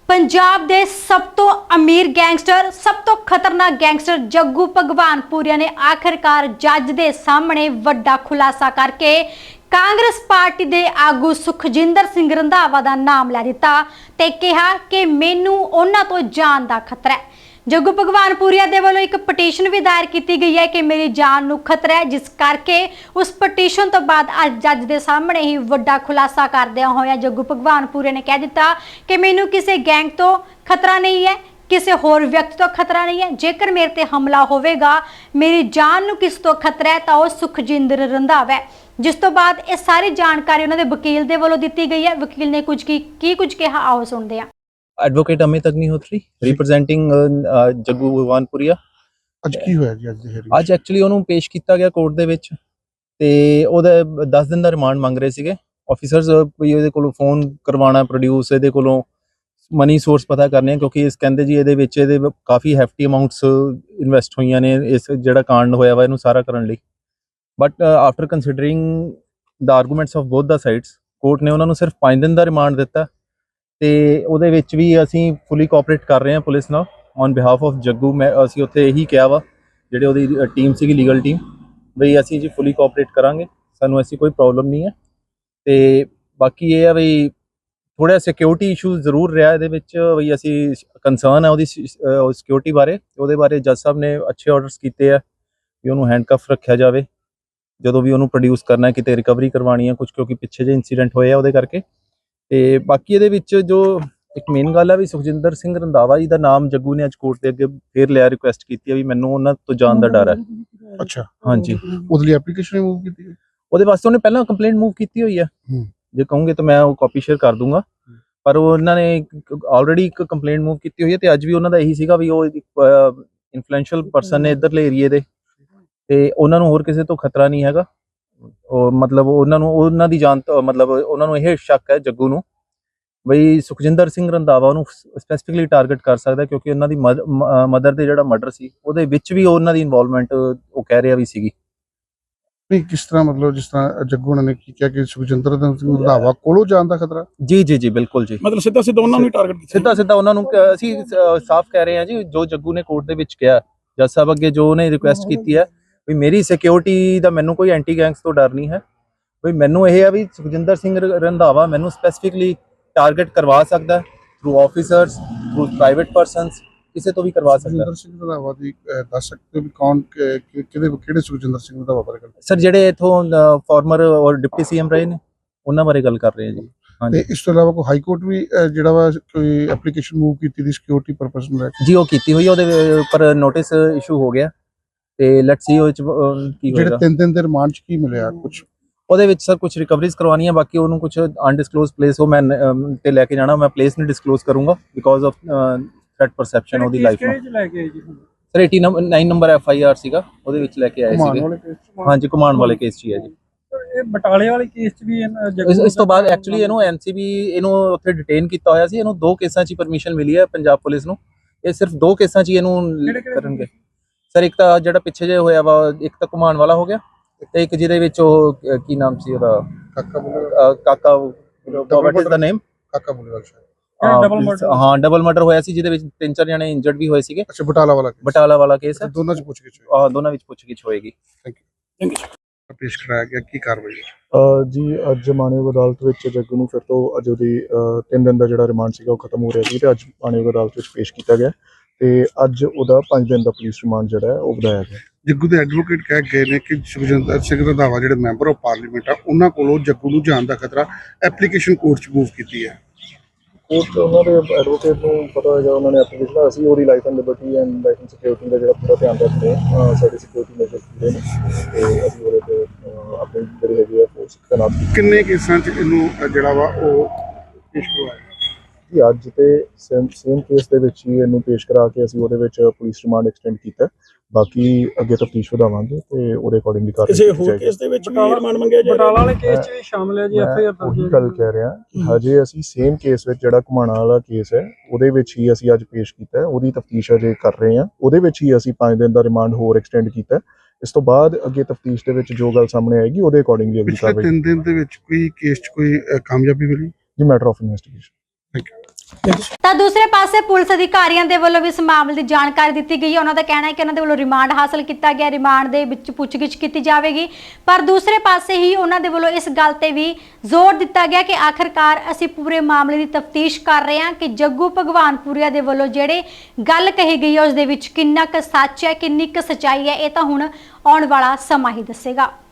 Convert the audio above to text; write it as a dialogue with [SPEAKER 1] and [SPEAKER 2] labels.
[SPEAKER 1] पंजाब दे सब तो अमीर गैंगस्टर सब तो खतरनाक गैंगस्टर जग्गू भगवानपुरिया ने आखिरकार जज दे सामने वड्डा खुलासा करके कांग्रेस पार्टी दे आगू सुखजिंदर सिंह रंधावा दा नाम लै दिता ते कहा कि मैनू उन्हां तो जान दा खतरा है। जग्गू भगवानपुरिया दे वालों एक पटीशन भी दायर की गई है कि मेरी जान नू खतरा है, जिस करके उस पटीशन तो बाद अज जज के सामने ही वड्डा खुलासा करदिया होया जग्गू भगवानपुरिया ने कह दिता कि मैनू किसी गैंग तो खतरा नहीं है, किसी होर व्यक्ति तो खतरा नहीं है। जेकर मेरे ते हमला होवेगा, मेरी जान नू किस तो खतरा है तो सुखजिंदर रंधावा है। जिस तो बाद ये सारी जानकारी उन्होंने वकील दे वालों दी गई है। वकील ने कुछ कहा, आओ सुनते हैं।
[SPEAKER 2] Advocate Amit Agnihotri representing Jaggu Bhagwanpuria.
[SPEAKER 3] ਅੱਜ ਕੀ ਹੋਇਆ ਜੀ ਅੱਜ ਦੀ hearing?
[SPEAKER 2] ਅੱਜ ਐਕਚੁਅਲੀ ਉਹਨੂੰ ਪੇਸ਼ ਕੀਤਾ ਗਿਆ ਕੋਰਟ ਦੇ ਵਿੱਚ ਤੇ ਉਹਦਾ 10 ਦਿਨ ਦਾ ਰਿਮਾਂਡ ਮੰਗ ਰਹੇ ਸੀਗੇ ਆਫੀਸਰਸ। ਵੀ ਇਹਦੇ ਕੋਲੋਂ ਫੋਨ ਕਰਵਾਉਣਾ, ਪ੍ਰੋਡਿਊਸ ਇਹਦੇ ਕੋਲੋਂ ਮਨੀ ਸੋਰਸ ਪਤਾ ਕਰਨੇ ਆ, ਕਿਉਂਕਿ ਇਸ ਕਹਿੰਦੇ ਜੀ ਇਹਦੇ ਵਿੱਚ ਇਹਦੇ ਕਾਫੀ ਹੈਫਟੀ ਅਮਾਉਂਟਸ ਇਨਵੈਸਟ ਹੋਈਆਂ ਨੇ ਇਸ ਜਿਹੜਾ ਕਾਂਡ ਹੋਇਆ ਵਾ ਇਹਨੂੰ ਸਾਰਾ ਕਰਨ ਲਈ। But after considering the arguments of both the sides, court ਨੇ ਉਹਨਾਂ ਨੂੰ ਸਿਰਫ 5 ਦਿਨ ਦਾ ਰਿਮਾਂਡ ਦਿੱਤਾ ਤੇ ਉਹਦੇ ਵਿੱਚ ਵੀ ਅਸੀਂ ਫੁੱਲੀ ਕੋਆਪਰੇਟ ਕਰ ਰਹੇ ਹਾਂ ਪੁਲਿਸ ਨਾਲ ਔਨ ਬਿਹਾਫ ਆਫ ਜੱਗੂ। ਮੈਂ ਅਸੀਂ ਉੱਥੇ ਇਹੀ ਕਿਹਾ ਵਾ ਜਿਹੜੇ ਉਹਦੀ ਟੀਮ ਸੀਗੀ ਲੀਗਲ ਟੀਮ, ਬਈ ਅਸੀਂ ਜੀ ਫੁੱਲੀ ਕੋਆਪਰੇਟ ਕਰਾਂਗੇ, ਸਾਨੂੰ ਐਸੀ ਕੋਈ ਪ੍ਰੋਬਲਮ ਨਹੀਂ ਹੈ। ਤੇ ਬਾਕੀ ਇਹ ਆ ਬਈ ਥੋੜ੍ਹਾ ਸਿਕਿਉਰਿਟੀ ਇਸ਼ੂ ਜ਼ਰੂਰ ਰਿਹਾ ਇਹਦੇ ਵਿੱਚ, ਬਈ ਅਸੀਂ ਕੰਸਰਨ ਹੈ ਉਹਦੀ ਸਿਕਿਉਰਿਟੀ ਬਾਰੇ। ਉਹਦੇ ਬਾਰੇ ਜੱਜ ਸਾਹਿਬ ਨੇ ਅੱਛੇ ਆਰਡਰਸ ਕੀਤੇ ਆ ਵੀ ਉਹਨੂੰ ਹੈਂਡਕਫ ਰੱਖਿਆ ਜਾਵੇ ਜਦੋਂ ਵੀ ਉਹਨੂੰ ਪ੍ਰੋਡਿਊਸ ਕਰਨਾ, ਕਿਤੇ ਰਿਕਵਰੀ ਕਰਵਾਉਣੀ ਹੈ ਕੁਝ, ਕਿਉਂਕਿ ਪਿੱਛੇ ਜੇ ਇਨਸੀਡੈਂਟ ਹੋਏ ਆ ਉਹਦੇ ਕਰਕੇ। ਤੇ ਬਾਕੀ ਇਹਦੇ ਵਿੱਚ ਜੋ ਇੱਕ ਮੇਨ ਗੱਲ ਹੈ ਵੀ ਸੁਖਜਿੰਦਰ ਸਿੰਘ ਰੰਧਾਵਾ ਜੀ ਦਾ ਨਾਮ ਜੱਗੂ ਨੇ ਅੱਜ ਕੋਰਟ ਦੇ ਅੱਗੇ ਫੇਰ ਲਿਆ, ਰਿਕੁਐਸਟ ਕੀਤੀ ਹੈ ਵੀ ਮੈਨੂੰ ਉਹਨਾਂ ਤੋਂ ਜਾਣ ਦਾ ਡਰ ਹੈ।
[SPEAKER 3] ਅੱਛਾ,
[SPEAKER 2] ਹਾਂਜੀ,
[SPEAKER 3] ਉਹਦੇ ਲਈ ਐਪਲੀਕੇਸ਼ਨ ਮੂਵ ਕੀਤੀ ਹੈ?
[SPEAKER 2] ਉਹਦੇ ਵਾਸਤੇ ਉਹਨੇ ਪਹਿਲਾਂ ਕੰਪਲੇਂਟ ਮੂਵ ਕੀਤੀ ਹੋਈ ਹੈ। ਜੇ ਕਹੋਗੇ ਤਾਂ ਮੈਂ ਉਹ ਕਾਪੀ ਸ਼ੇਅਰ ਕਰ ਦੂੰਗਾ, ਪਰ ਉਹਨਾਂ ਨੇ ਆਲਰੇਡੀ ਇੱਕ ਕੰਪਲੇਂਟ ਮੂਵ ਕੀਤੀ ਹੋਈ ਹੈ। ਤੇ ਅੱਜ ਵੀ ਉਹਨਾਂ ਦਾ ਇਹੀ ਸੀਗਾ ਵੀ ਉਹ ਇਨਫਲੂਐਂਸ਼ੀਅਲ ਪਰਸਨ ਨੇ ਇੱਧਰਲੇ ਏਰੀਏ ਦੇ, ਤੇ ਉਹਨਾਂ ਨੂੰ ਹੋਰ ਕਿਸੇ ਤੋਂ ਖਤਰਾ ਨਹੀਂ ਹੈਗਾ। ਉਹ ਮਤਲਬ ਉਹਨਾਂ ਨੂੰ ਉਹਨਾਂ ਦੀ ਜਾਨ ਤੋਂ ਮਤਲਬ ਉਹਨਾਂ ਨੂੰ ਇਹ ਸ਼ੱਕ ਹੈ ਜੱਗੂ ਨੂੰ ਬਈ ਸੁਖਜਿੰਦਰ ਸਿੰਘ ਰੰਧਾਵਾ ਉਹਨੂੰ ਸਪੈਸੀਫਿਕਲੀ ਟਾਰਗੇਟ ਕਰ ਸਕਦਾ, ਕਿਉਂਕਿ ਉਹਨਾਂ ਦੀ ਮਦਰ ਦੇ ਜਿਹੜਾ ਮਰਡਰ ਸੀ ਉਹਦੇ ਵਿੱਚ ਵੀ ਉਹਨਾਂ ਦੀ ਇਨਵੋਲਵਮੈਂਟ ਉਹ ਕਹਿ ਰਿਹਾ ਵੀ ਸੀਗੀ।
[SPEAKER 3] ਨਹੀਂ, ਕਿਸ ਤਰ੍ਹਾਂ ਮਤਲਬ ਜਿਸ ਤਰ੍ਹਾਂ ਜੱਗੂ ਨੇ ਕੀ ਕਿਹਾ ਕਿ ਸੁਖਜਿੰਦਰ ਸਿੰਘ ਰੰਧਾਵਾ ਕੋਲੋਂ ਜਾਣ ਦਾ ਖਤਰਾ?
[SPEAKER 2] ਜੀ ਜੀ ਜੀ ਬਿਲਕੁਲ ਜੀ,
[SPEAKER 4] ਮਤਲਬ ਸਿੱਧਾ ਉਹਨਾਂ ਨੂੰ ਟਾਰਗੇਟ ਕੀਤਾ,
[SPEAKER 2] ਸਿੱਧਾ ਉਹਨਾਂ ਨੂੰ ਅਸੀਂ ਸਾਫ਼ ਕਹਿ ਰਹੇ ਹਾਂ ਜੀ। ਜੋ ਜੱਗੂ ਨੇ ਕੋਰਟ ਦੇ ਵਿੱਚ ਕਿਹਾ ਜੱਜ ਸਾਹਿਬ ਅੱਗੇ, ਜੋ ਉਹਨੇ ਰਿਕੁਐਸਟ ਕੀਤੀ ਹੈ ਵੀ ਮੇਰੀ ਸਿਕਿਉਰਿਟੀ ਦਾ ਮੈਨੂੰ ਕੋਈ ਐਂਟੀ ਗੈਂਗਸ ਤੋਂ ਡਰ ਨਹੀਂ ਹੈ, ਵੀ ਮੈਨੂੰ ਇਹ ਹੈ ਵੀ ਸੁਖਜਿੰਦਰ ਸਿੰਘ ਰੰਧਾਵਾ ਮੈਨੂੰ ਸਪੈਸੀਫਿਕਲੀ ਟਾਰਗੇਟ ਕਰਵਾ ਸਕਦਾ through officers, through private persons, ਕਿਸੇ ਤੋਂ ਵੀ ਕਰਵਾ ਸਕਦਾ।
[SPEAKER 3] ਸੁਖਜਿੰਦਰ ਸਿੰਘ ਰੰਧਾਵਾ ਦੀ ਦੱਸ ਸਕਦੇ ਹੋ ਵੀ ਕੌਣ ਕਿਹੜੇ ਸੁਖਜਿੰਦਰ ਸਿੰਘ ਰੰਧਾਵਾ ਬਾਰੇ ਗੱਲ?
[SPEAKER 2] ਸਰ ਜਿਹੜੇ ਇਥੋਂ ਫਾਰਮਰ ਔਰ ਡਿਪਟੀ ਸੀਐਮ ਰਹੇ ਨੇ ਉਹਨਾਂ ਬਾਰੇ ਗੱਲ ਕਰ ਰਹੇ ਹਾਂ ਜੀ।
[SPEAKER 3] ਤੇ ਇਸ ਤੋਂ ਇਲਾਵਾ ਕੋਈ ਹਾਈ ਕੋਰਟ ਵੀ ਜਿਹੜਾ ਵਾ ਕੋਈ ਐਪਲੀਕੇਸ਼ਨ ਮੂਵ ਕੀਤੀ ਦੀ ਸਿਕਿਉਰਿਟੀ ਪਰਪਸ ਨੂੰ ਲੈ ਕੇ?
[SPEAKER 2] ਜੀ ਉਹ ਕੀਤੀ ਹੋਈ, ਉਹਦੇ ਉੱਪਰ ਨੋਟਿਸ ਇਸ਼ੂ ਹੋ ਗਿਆ ਤੇ ਲੈਟਸ ਸੀ ਉਹ ਕੀ ਹੋਏਗਾ।
[SPEAKER 3] ਜਿਹੜੇ 3 ਦਿਨ ਦੇ ਰਿਮਾਂਡ ਚ ਕੀ ਮਿਲਿਆ? ਕੁਝ
[SPEAKER 2] ਉਹਦੇ ਵਿੱਚ ਸਰ ਕੁਝ ਰਿਕਵਰੀਜ਼ ਕਰਵਾਉਣੀਆਂ, ਬਾਕੀ ਉਹਨੂੰ ਕੁਝ ਅਨਡਿਸਕਲੋਜ਼ ਪਲੇਸ ਉਹ ਮੈਂ ਤੇ ਲੈ ਕੇ ਜਾਣਾ, ਮੈਂ ਪਲੇਸ ਨਹੀਂ ਡਿਸਕਲੋਜ਼ ਕਰੂੰਗਾ ਬਿਕੋਜ਼ ਆਫ ਥ੍ਰੈਟ ਪਰਸੈਪਸ਼ਨ ਉਹਦੀ ਲਾਈਫ ਨੂੰ। ਸਰ 89 ਨੰਬਰ FIR ਸੀਗਾ, ਉਹਦੇ ਵਿੱਚ ਲੈ ਕੇ ਆਏ ਸੀਗੇ। ਹਾਂਜੀ, ਘੁਮਾਉਣ ਵਾਲੇ ਕੇਸ 'ਚ ਹੀ ਹੈ ਜੀ।
[SPEAKER 4] ਇਹ ਬਟਾਲੇ ਵਾਲੇ ਕੇਸ 'ਚ ਵੀ
[SPEAKER 2] ਇਸ ਤੋਂ ਬਾਅਦ ਐਕਚੁਅਲੀ ਇਹਨੂੰ NCB ਇਹਨੂੰ ਉੱਥੇ ਡਿਟੇਨ ਕੀਤਾ ਹੋਇਆ ਸੀ। ਇਹਨੂੰ 2 ਕੇਸਾਂ 'ਚ ਪਰਮਿਸ਼ਨ ਮਿਲੀ ਹੈ ਪੰਜਾਬ ਪੁਲਿਸ ਨੂੰ। ਇਹ ਸਿਰਫ 2 ਕੇਸਾਂ 'ਚ ਇਹਨੂੰ ਕਰਨਗੇ ਸਰ। ਇੱਕ ਤਾਂ ਜਿਹੜਾ ਪਿੱਛੇ ਜੇ ਹੋਇਆ ਵਾ, ਇੱਕ ਤਾਂ ਘੁਮਾਉਣ ਵਾਲਾ ਹੋ ਗਿਆ, ਤੇ ਇੱਕ ਜਿਹਦੇ ਵਿੱਚ ਉਹ ਕੀ ਨਾਮ ਸੀ ਉਹਦਾ, ਕਾਕਾ ਵਾਟ ਇਜ਼ ਦਾ ਨੇਮ? ਕਾਕਾ ਬੁਲੇਵਾਲ ਸ਼ਾਇਦ। ਹਾਂ, ਡਬਲ ਮਰਡਰ ਹੋਇਆ ਸੀ ਜਿਹਦੇ ਵਿੱਚ 3-4 ਜਣੇ ਇੰਜਰਡ ਵੀ ਹੋਏ ਸੀਗੇ।
[SPEAKER 3] ਅੱਛਾ, ਬਟਾਲਾ ਵਾਲਾ ਕੇਸ ਹੈ।
[SPEAKER 2] ਦੋਨਾਂ 'ਚ ਪੁੱਛਗਿੱਛ ਹੋਏਗੀ।
[SPEAKER 3] Thank you. ਪੇਸ਼ ਕਰਾਇਆ ਗਿਆ, ਕੀ ਕਾਰਵਾਈ
[SPEAKER 5] ਜੀ? ਅੱਜ ਮਾਨਯੋਗ ਅਦਾਲਤ ਵਿੱਚ ਜੱਗੂ ਨੂੰ ਫਿਰ ਤੋਂ ਅੱਜ ਉਹਦੀ 3 ਦਿਨ ਦਾ ਜਿਹੜਾ ਰਿਮਾਂਡ ਸੀਗਾ ਉਹ ਖਤਮ ਹੋ ਰਿਹਾ ਸੀ, ਤੇ ਅੱਜ ਮਾਨਯੋਗ ਅਦਾਲਤ ਵਿੱਚ ਪੇਸ਼ ਕੀਤਾ ਗਿਆ ਤੇ ਅੱਜ ਉਹਦਾ 5 ਦਿਨ ਦਾ ਪੁਲਿਸ ਰਿਮਾਂਡ ਜਿਹੜਾ ਹੈ ਉਹ ਵਧਾਇਆ ਗਿਆ।
[SPEAKER 3] ਜੱਗੂ ਦੇ ਐਡਵੋਕੇਟ ਕਹਿ ਗਏ ਨੇ ਕਿ ਸੁਖਜਿੰਦਰ ਸਿੰਘ ਰੰਧਾਵਾ ਜਿਹੜੇ ਮੈਂਬਰ ਆਫ ਪਾਰਲੀਮੈਂਟ ਆ, ਉਹਨਾਂ ਕੋਲੋਂ ਜੱਗੂ ਨੂੰ ਜਾਣ ਦਾ ਖਤਰਾ, ਐਪਲੀਕੇਸ਼ਨ ਕੋਰਟ 'ਚ ਮੂਵ ਕੀਤੀ ਹੈ।
[SPEAKER 5] ਕੋਰਟ ਉਹਨਾਂ ਦੇ ਐਡਵੋਕੇਟ ਨੂੰ ਪਤਾ ਹੋਏਗਾ, ਉਹਨਾਂ ਨੇ ਐਪਲੀਕੇਸ਼ਨ, ਅਸੀਂ ਉਹਦੀ life and liberty and life and security ਦਾ ਜਿਹੜਾ ਪੂਰਾ ਧਿਆਨ ਰੱਖਦੇ ਹਾਂ। ਸਾਡੀ ਸਿਕਿਉਰਿਟੀ ਮੇਜਰ ਪੂਰੇ ਨੇ ਤੇ ਅਸੀਂ ਉਹਦੇ ਤੇ ਆਪਣੀ ਜਿਹੜੀ ਹੈਗੀ ਹੈ ਫੋਰਸ ਤੈਨਾਤ ਕੀਤੀ।
[SPEAKER 3] ਕਿੰਨੇ ਕੇਸਾਂ 'ਚ ਇਹਨੂੰ ਜਿਹੜਾ ਵਾ ਉਹ ਪੇਸ਼ ਕਰਵਾਇਆ
[SPEAKER 5] ਜੀ? ਅੱਜ ਤੇ ਸੇਮ ਕੇਸ ਦੇ ਵਿੱਚ ਹੀ ਇਹਨੂੰ ਪੇਸ਼ ਕਰਾ ਕੇ ਅਸੀਂ ਉਹਦੇ ਵਿੱਚ ਪੁਲਿਸ ਰਿਮਾਂਡ ਐਕਸਟੈਂਡ ਕੀਤਾ। ਬਾਕੀ ਅੱਗੇ ਤਫਤੀਸ਼ ਵਧਾਵਾਂਗੇ ਤੇ ਉਹਦੇ ਅਕੋਰਡਿੰਗਲੀ ਕਾਰਵਾਈ
[SPEAKER 4] ਕਿਸੇ ਹੋਰ ਕੇਸ ਦੇ ਵਿੱਚ ਵੀ ਰਿਮਾਂਡ ਮੰਗਿਆ ਜਾਏਗਾ? ਬਟਾਲਾ ਵਾਲੇ ਕੇਸ 'ਚ ਵੀ ਸ਼ਾਮਲ ਹੈ ਜੀ FIR ਦਰਜ?
[SPEAKER 5] ਉਹੀ ਗੱਲ ਕਹਿ ਰਿਹਾ ਕਿ ਹਜੇ ਅਸੀਂ ਸੇਮ ਕੇਸ ਵਿੱਚ ਜਿਹੜਾ ਘੁਮਾਣਾ ਵਾਲਾ ਕੇਸ ਹੈ ਉਹਦੇ ਵਿੱਚ ਹੀ ਅਸੀਂ ਅੱਜ ਪੇਸ਼ ਕੀਤਾ, ਉਹਦੀ ਤਫਤੀਸ਼ ਅਜੇ ਕਰ ਰਹੇ ਹਾਂ। ਉਹਦੇ ਵਿੱਚ ਹੀ ਅਸੀਂ 5 ਦਿਨ ਦਾ ਰਿਮਾਂਡ ਹੋਰ ਐਕਸਟੈਂਡ ਕੀਤਾ। ਇਸ ਤੋਂ ਬਾਅਦ ਅੱਗੇ ਤਫਤੀਸ਼ ਦੇ ਵਿੱਚ ਜੋ ਗੱਲ ਸਾਹਮਣੇ ਆਏਗੀ ਉਹਦੇ ਅਕੋਰਡਿੰਗਲੀ ਅਗਲੀ ਕਾਰਵਾਈ।
[SPEAKER 3] 3 ਦਿਨ ਦੇ ਵਿੱਚ ਕੋਈ ਕੇਸ 'ਚ ਕੋਈ ਕਾਮਯਾਬੀ ਮਿਲੀ?
[SPEAKER 5] ਜੀ matter of investigation.
[SPEAKER 3] Thank you.
[SPEAKER 1] ਤਾਂ ਦੂਸਰੇ ਪਾਸੇ ਪੁਲਿਸ ਅਧਿਕਾਰੀਆਂ ਦੇ ਵੱਲੋਂ ਵੀ ਇਸ ਮਾਮਲੇ ਦੀ ਜਾਣਕਾਰੀ ਦਿੱਤੀ ਗਈ ਹੈ। ਉਹਨਾਂ ਦਾ ਕਹਿਣਾ ਹੈ ਕਿ ਉਹਨਾਂ ਦੇ ਵੱਲੋਂ ਰਿਮਾਂਡ ਹਾਸਲ ਕੀਤਾ ਗਿਆ, ਰਿਮਾਂਡ ਦੇ ਵਿੱਚ ਪੁੱਛਗਿੱਛ ਕੀਤੀ ਜਾਵੇਗੀ। ਪਰ ਦੂਸਰੇ ਪਾਸੇ ਹੀ ਉਹਨਾਂ ਦੇ ਵੱਲੋਂ ਇਸ ਗੱਲ ਤੇ ਵੀ ਜ਼ੋਰ ਦਿੱਤਾ ਗਿਆ ਕਿ ਆਖਰਕਾਰ ਅਸੀਂ ਪੂਰੇ ਮਾਮਲੇ ਦੀ ਤਫਤੀਸ਼ ਕਰ ਰਹੇ ਹਾਂ ਕਿ ਜੱਗੂ ਭਗਵਾਨਪੁਰੀਆ ਦੇ ਵੱਲੋਂ ਜਿਹੜੇ ਗੱਲ ਕਹੀ ਗਈ ਹੈ ਉਸ ਦੇ ਵਿੱਚ ਕਿੰਨਾ ਕੁ ਸੱਚ ਹੈ, ਕਿੰਨੀ ਕੁ ਸੱਚਾਈ ਹੈ, ਇਹ ਤਾਂ ਹੁਣ ਆਉਣ ਵਾਲਾ ਸਮਾਂ ਹੀ ਦੱਸੇਗਾ।